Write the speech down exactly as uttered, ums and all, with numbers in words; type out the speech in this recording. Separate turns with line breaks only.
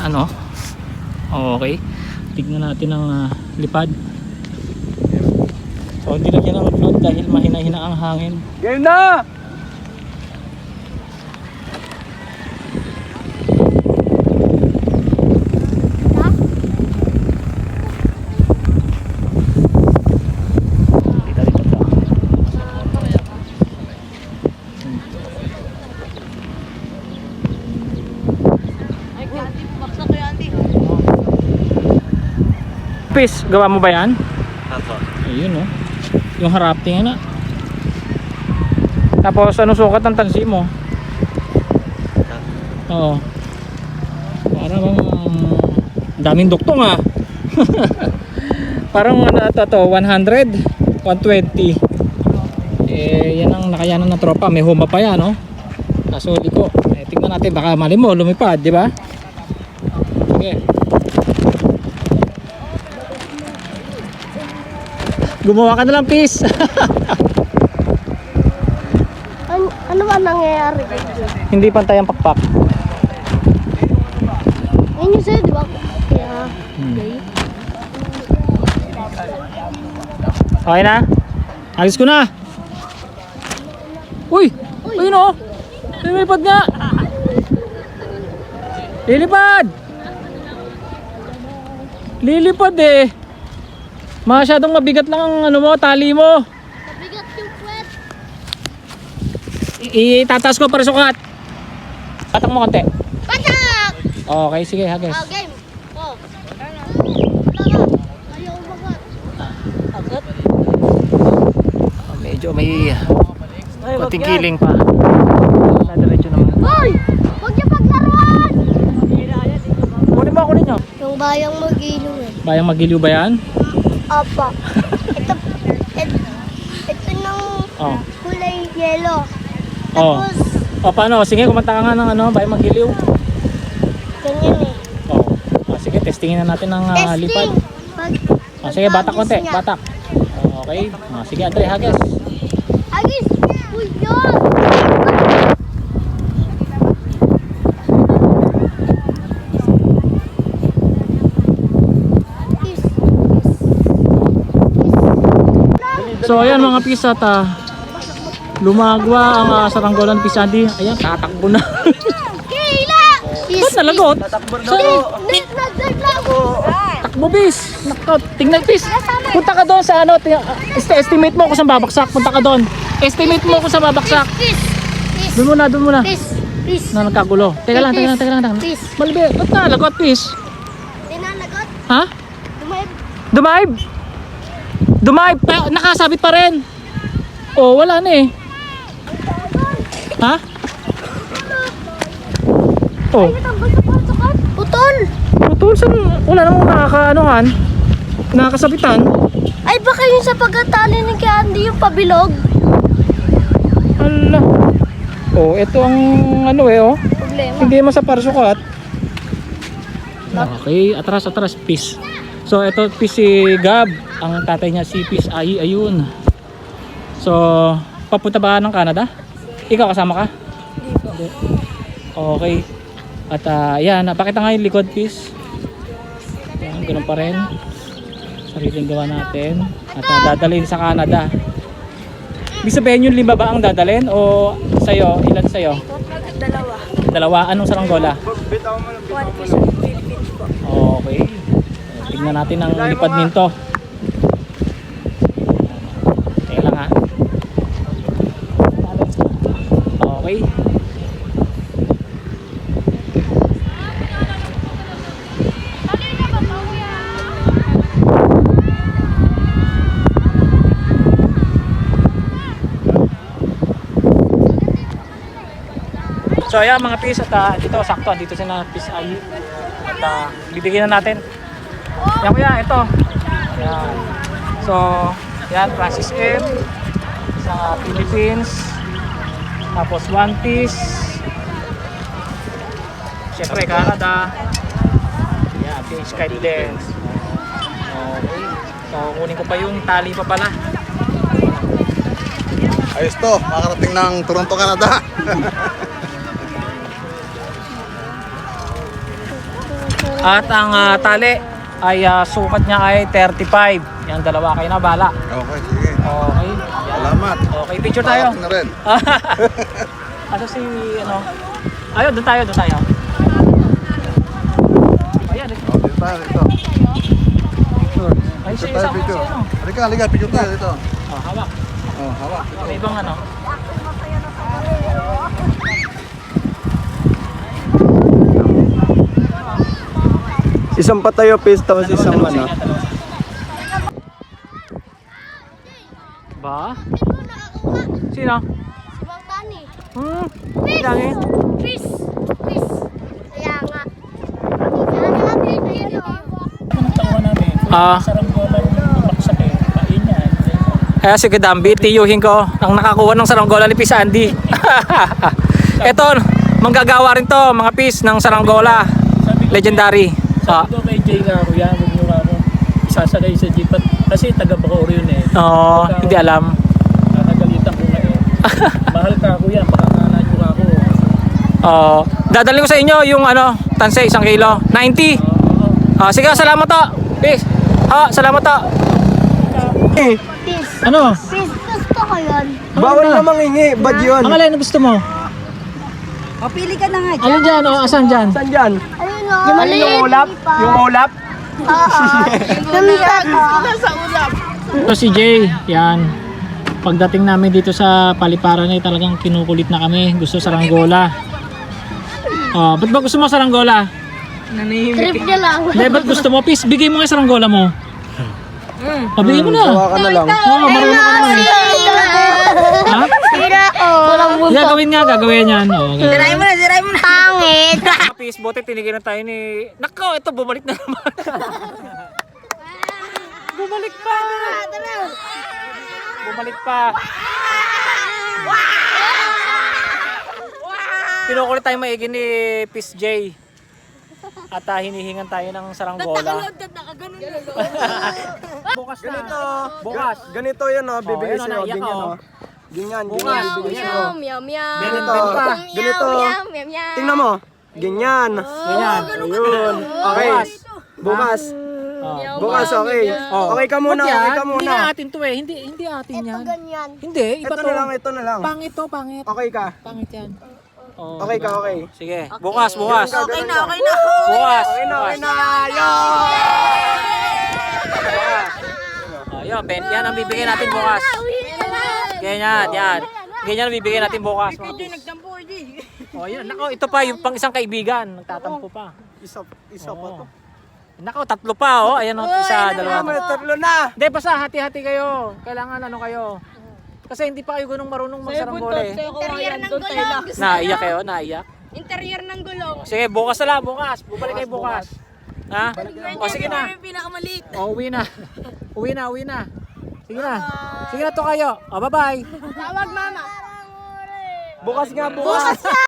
ano. Okay. Tignan natin ang uh, lipad. So hindi na yan ang float dahil mahina-hina ang hangin.
Game na!
Pis, gawa mo ba yan?
Apo.
Ayun oh. Yung harap tingin na. Tapos ano sukat ng tansi mo? Oo. Parang um, daming duktong ah. Parang ano ito to, one hundred, one twenty. Eh yan ang nakayanan ng tropa, may huma pa yan no. Kaso liko. Eh, tingnan natin baka mali mo lumipad, di ba? Sige. Gumawa ka na lang, Pis.
An ano ba nangyayari?
Hindi pantay ang pakpak.
Ayun yung sa'yo, di ba? Kaya,
Hmm.
okay.
Okay na? Alis ko na. Uy! Ayun o! Lilipad nga! Lilipad! Lilipad eh! Masyadong mabigat lang ang ano mo, tali mo.
Mabigat yung puwet.
Itataas ko para sukat. Patak mo konti.
Patak!
Okay, sige, hagis.
Oh, game. Oh. Ayaw umagat. Agat?
Oh, medyo may konting kiling pa. Nadiretso naman.
Hoy! Huwag niyo paglaruan!
Kunin mo, kunin nyo.
Yung bayang mag-ilong eh.
Bayang magiliw ba yan?
Apa. Ito, ito, ito ng
Oh.
kulay yellow.
Oh.
Tapos,
O paano? Sige, kumanta ka nga ng ano, bayang magiliw.
ganyan eh.
Oh. Ah, sige, testingin na natin ng uh, lipad.
Pag,
Ah, sige, batak konti,
niya.
batak. Oh, okay. Ah, sige, Andre, hagis.
Agis! Uy, yun! Is, is, is.
So ayan mga pis at uh, lumagwa ang uh, saranggolan pis Andy. Ayan, tatakbo na.
Kayla!
Ba't nalagot? So,
Net na naglago!
takbo bis. Nako, tingnan pis. Punta ka doon sa ano, ting- uh, est- estimate mo kung saan babaksak. Punta ka doon. Estimate mo kung saan babaksak.
Peace! Peace!
Doon muna, doon muna.
Peace! Peace!
Na nagkagulo. Teka lang, teka lang, teka lang. teka lang.
Peace!
Malbi, ba't nalagot pis?
Dinalagot?
Ha?
Dumayab?
Dumaib? Dumaib pa, nakasabit pa rin. Oh, wala na eh. Ha? Oh,
Ay, natambal sa parsakan? Putol!
putol saan? Wala namang nakakaanohan. Nakakasabitan.
Ay, baka yun sa pagkatali ng kay Andy yung pabilog?
Hala. Oh, ito ang ano eh oh.
Problema.
Hindi mo sa parsukat. Okay, atras atras Pis. So ito Pis si Gab, ang tatay niya si Pis Ay ayun. So papunta ba ng Canada? Ikaw kasama ka? Hindi. Okay. At uh, yan, napakita nga yung likod Pis. Yan, ganun pa rin. Sariling gawa natin. At uh, dadalhin sa Canada. Ibig sabihin yung lima ba ang dadalhin o sa'yo? Ilan sa'yo?
Dalawa.
Dalawa? Anong saranggola?
One piece of Philippines po.
Okay. Tignan natin ang lipad nito. Teka lang ha. Okay. So ayan mga pis at uh, dito sakto dito sina Pis Ay at uh, bibigyan na natin. Yan kuya, ito. Yan. So, yan Francis M sa Philippines. Tapos One Piece. Siyempre Canada. Yan, P H Kite Lens. Okay. So, kunin ko pa yung tali pa pala.
Ayos to, makarating ng Toronto, Canada.
At ang ah, tali ay ah, sukat niya ay thirty-five. Yan, dalawa kayo na, bala.
Okay, sige.
Okay. Yan.
Salamat.
Okay, picture tayo.
Makarating na rin.
Asa si, ano? Ayun, doon tayo, doon tayo. Ayan, ito.
Oh, dito tayo, dito.
Picture. Ay,
Dito
siya,
tayo,
isama ko
picture.
siya, ano?
Halika, halika, picture tayo dito.
Oh, hawak.
Oh, hawak.
May ibang ano.
Isang patayo pis tapos isang
Dalawa,
ano.
dalawa, dalawa. Ba? Sino?
Si Bang Tani.
Hmm,
Fish!
dami.
Fish! Fish! Kaya nga. Kaya nga, ayun o.
Ah. Kaya si Kadambi, tiyuhin ko ang nakakuha ng saranggola ni Pis Andy. Ito, manggagawa rin to, mga pis ng saranggola. Legendary. Ah.
Sabi ko kay Jay nga ako yan, huwag nyo nga ako isasagay sa jeep at kasi taga Bacoor yun eh.
Oo, hindi alam.
Nakagalitan ko nga eh. Mahal ka ako yan, pakakanan nyo nga ako.
Oo. Dadalhin ko sa inyo yung ano, tanse, isang kilo. ninety. Ah, sige, salamat to. Peace. Ha, salamat to.
Eh,
Fish!
Ano?
Fish! Gusto ko yun.
bawal na mangingi, bad yun.
Ang alin na gusto mo?
O, pili ka na nga.
Ano dyan? O, asan dyan?
Saan dyan?
Ayun o.
Ano yung ulap? Yung ulap?
Oo. Lumipat o.
Ito si Jay. Yan. Pagdating namin dito sa paliparan ay talagang kinukulit na kami. Gusto saranggola. Oh, ba't ba gusto mo saranggola?
Trip niya lang.
Hindi, ba't gusto mo? Peace, bigay mo nga yung saranggola mo. Pabigay mo na.
Gawa ka na lang.
Oo, marunong ka naman. Ha?
Sira o. Walang buntot.
Gagawin nga, gagawin yan. Oh, gagawin.
Siray mo na, siray mo na.
Pangit.
Peace, buti tinigil na tayo ni... Nako, ito, bumalik na naman. Bumalik pa. Bumalik pa. Pinukulit tayo maigi ni Peace J. At uh, hinihingan tayo ng saranggola. Bukas na.
Ganito.
Bukas.
Ganito yun oh, bibigay
Oh, yun,
sa'yo.
naiyak
Ganyan
ako.
oh. Ganyan,
Bukas.
ganyan bibigay sa'yo.
Meow, meow.
Ganito.
pa.
Ganito.
Meow, meow, meow.
Tingnan mo. Ganyan.
Ganyan.
Ayun. Okay.
Bukas.
Bukas.
Oh.
Bukas, okay.
Oh.
Okay ka muna,
Ba't yan?
okay ka
Hindi
muna.
na atin to eh. Hindi, hindi atin
Ito
yan.
ganyan.
Hindi, iba
Ito
to.
na lang, ito na lang.
Pangit to, pangit.
Okay ka.
Pangit yan. Oh,
Okay ka, okay.
Sige, bukas, bukas.
Okay na, okay na.
Bukas.
Okay na, okay na. Yo!
Oh, yun, Ben, yan ang bibigyan natin bukas. Ganyan, yan. Ganyan ang bibigyan natin bukas. Mga pis.
Nagtampo, Jay.
Oh, yan. Nako, ito pa yung pang isang kaibigan. Nagtatampo pa.
Isa, isa pa to.
Oh. Nako, tatlo pa, oh. Ayan, oh, isa, dalawa.
Tama, tatlo na.
Hindi, basta hati-hati kayo. Kailangan ano kayo. Kasi hindi pa kayo ganung marunong magsaranggola eh.
Interior ng gulong.
Naiyak kayo, naiyak.
Interior ng gulong.
Sige, bukas na lang, bukas. Bumalik kayo bukas. Ha? O, sige na.
Pinakamaliit.
O, uwi na. Uwi na, uwi na. Sige na. Sige na to kayo. O, bye-bye.
Tawag mama.
Bukas nga, bukas.